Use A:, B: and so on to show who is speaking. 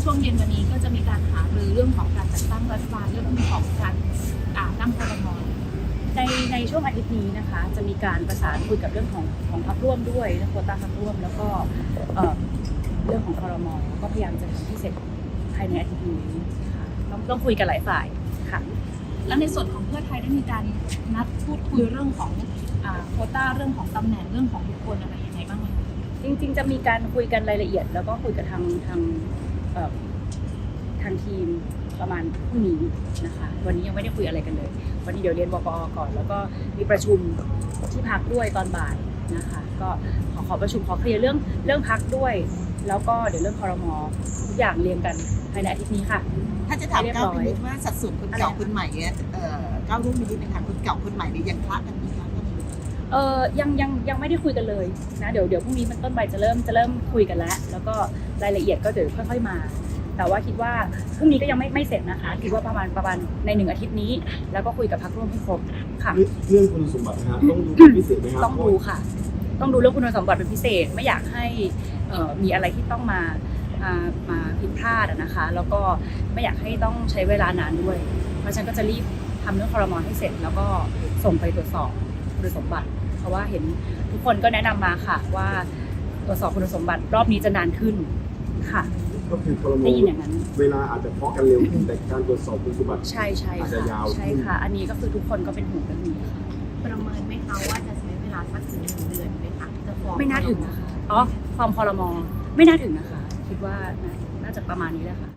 A: ช่วงเย็นวันนี้ก็จะมีการหารือเรื่องของการจัดตั้งรัฐบาลเรื่องของการตั้งครม.
B: ในช่วงอาทิตย์นี้นะคะจะมีการประสานคุยกับเรื่องของพรรคร่วมด้วยเรื่องโควต้าพรรคร่วมแล้วก็เรื่องของครม.ก็พยายามจะทำให้เสร็จภายในอาทิตย์นี้ค่ะต้องคุยกันหลายฝ่ายค่ะ
A: แล้วในส่วนของเพื่อไทยได้มีการนัดพูดคุยเรื่องของโควต้าเรื่องของตำแหน่งเรื่องของบุคคลอะไรยังไงบ้างไหม
B: จริงๆจะมีการคุยกันรายละเอียดแล้วก็คุยกับทางทีมประมาณพรุ่งนี้นะคะวันนี้ยังไม่ได้คุยอะไรกันเลยวันนี้เดี๋ยวเรียนบก.ก่อนแล้วก็มีประชุมที่พักด้วยตอนบ่ายนะคะก็ขอประชุมขอเคลียร์เรื่องพักด้วยแล้วก็เดี๋ยวเรื่องครม.ทุกอย่างเรียงกันภายในอาทิตย์นี้ค่ะ
C: ถ้าจะถามก้าวพินิจว่าสัดส่วนคนเก่าคนใหม่เนี่ยก้าวรุ่งพินิจนะคะคนเก่าคนใหม่เนี่ยยังคละกันไหมคะ
B: ยังไม่ได้คุยกันเลยนะเดี๋ยวพรุ่งนี้เป็นต้นไปจะเริ่มคุยกันแล้วก็รายละเอียดก็เดี๋ยวค่อยๆมาแต่ว่าคิดว่าพรุ่งนี้ก็ยังไม่เสร็จนะคะคิดว่าประมาณใน1 อาทิตย์นี้แล้วก็คุยกับพรรคร่วมให้ครบค่ะ
D: เรื่องคุณสมบัตินะฮะต้องดูเป็นพิเศษไหมครับ
B: ต้องดูค่ะต้องดูเรื่องคุณสมบัติเป็นพิเศษไม่อยากให้มีอะไรที่ต้องมาผิดพลาดนะคะแล้วก็ไม่อยากให้ต้องใช้เวลานานด้วยเพราะฉะนั้นก็จะรีบทำเรื่องครม.ให้เสร็จแล้วก็ส่งไปตรวจสอบคุณสมบัติเพราะว่าเห็นทุกคนก็แนะนำมาค่ะว่าตรวจสอบคุณสมบัติรอบนี้จะนานขึ้นค่ะ
D: ก็คือครม.
B: ได้ยินอย่างนั้น
D: เวลาอาจจะเพาะกันเร็วขึ้นแต่การตรวจสอบคุณสมบัติ
B: ใช่
D: อาจจะยาว
B: ใช่ค่ะอันนี้ก็คือทุกคนก็เป็นห่วงเรื่องนี้ค่ะ
A: ประเมินไหมคะว่าจะใช้เวลาสักถึง1 เดือนไหมคะจะฟ้อง
B: ไม่น่าถึงนะคะฟอร์มครม.ไม่น่าถึงนะคะคิดว่าน่าจะประมาณนี้แหละค่ะ